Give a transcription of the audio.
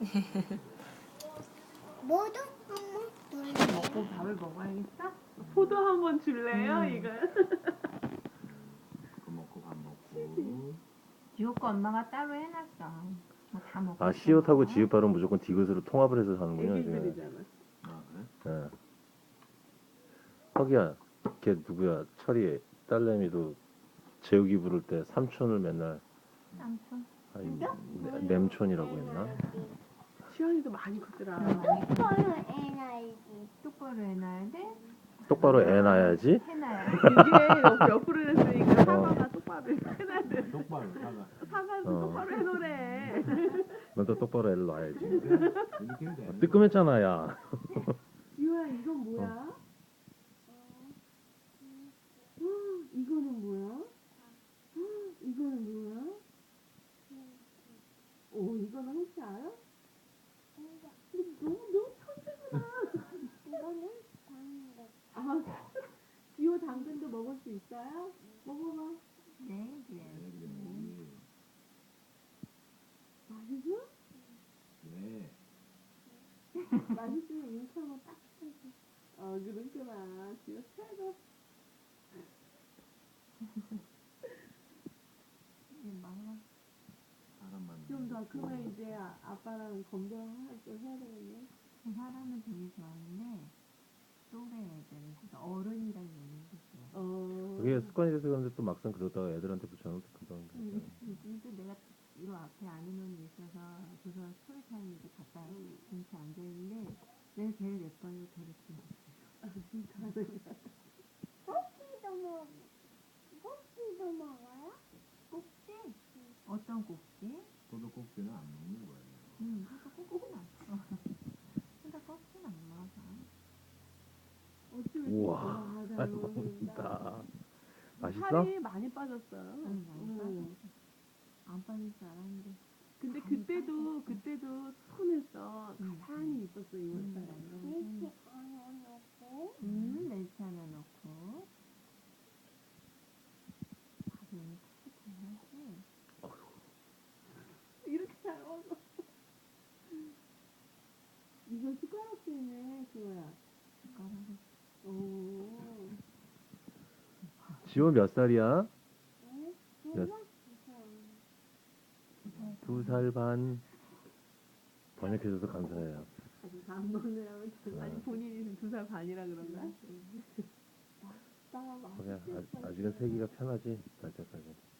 모두 한번 돌려. 먹고 밥을 먹어야겠어? 포도 한번 줄래요? 이거. 그거 먹고 밥 먹고. 지호 거 엄마가 따로 해놨어. 뭐 다 먹고. 아, 시옷하고 지읒발은 무조건 디귿으로 통합을 해서 하는군요. 지금. 애기들이잖아. 아 그래? 예. 허기야, 걔 누구야? 철이 딸내미도 재욱이 부를 때 삼촌을 맨날 삼촌. 아니, 냄촌이라고 했나? 시연이도 많이 컸더라. 서로 NIG. 똑바로 해놔야 돼? 똑바로 애 낳아야지. 해놔야 돼. 이게 옆으로 했으니까 사과가 똑바로 해놔야 돼. 똑바로 사과. 사과도 어. 똑바로 해놓으래. 넌 또 똑바로 애를 낳아야지. 이렇게 해도 돼. 뜨끔했잖아, 야. 유아 이건 뭐야? 이거는 뭐야? 이거는 뭐야? 오 이거는 혹시 알아? 근데 너무 천재구나. 이거는 당근. 아 지호 당근도 먹을 수 있어요? 먹어봐. 네, 그래야지. 맛있어? 네. 맛있으면 이렇게 하면 딱 해줘. 그렇구나. 지호 최고. 이제 말라. 사람만. 좀 더 크면 이제 아빠랑 검정할 걸 해야 되겠네. 사람은 되게 좋아하는데 또래 애들은 진짜 어른이랑 노는 게 좋아. 그게 습관이 돼서 그런데 또 막상 그러다가 애들한테 붙여놓으면 또 금방 그러잖아. 근데 내가 이 앞에 아는 언니 있어서 조선 스토리타임 이제 갔다 같이 앉아있는데 내가 걔를 예뻐요. 걔를 좀 진짜. 꼭지도 먹어. 꼭지도 먹어요? 꼭지? 어떤 꼭지? 포도 꼭지는 안 먹는 거예요. 그래서 꼭지는 안 먹어. 근데 꼭지는 안 먹어. 어찌 우와, 잘 잘 먹는다. 먹는다. 맛있어? 살이 많이 빠졌어. 많이 빠졌어. 안 빠질 줄 알았는데. 근데 그때도 톤했어. 가만히 있었어 이번 달에. 이렇게 안에 넣고. 멸치 하나 넣고 밥이 오늘 탁탁하지. 이렇게 잘 먹어. 이거 숟가락이네 그거야. 숟가락을 오. 지호 몇 살이야? 응? 몇- 이거? 2살 반. 번역해줘서 감사해요. 아직 안 먹느라고 아니 본인이 2살 반이라 그런가? 거기야, 아직은 세기가 편하지, 날 때까지.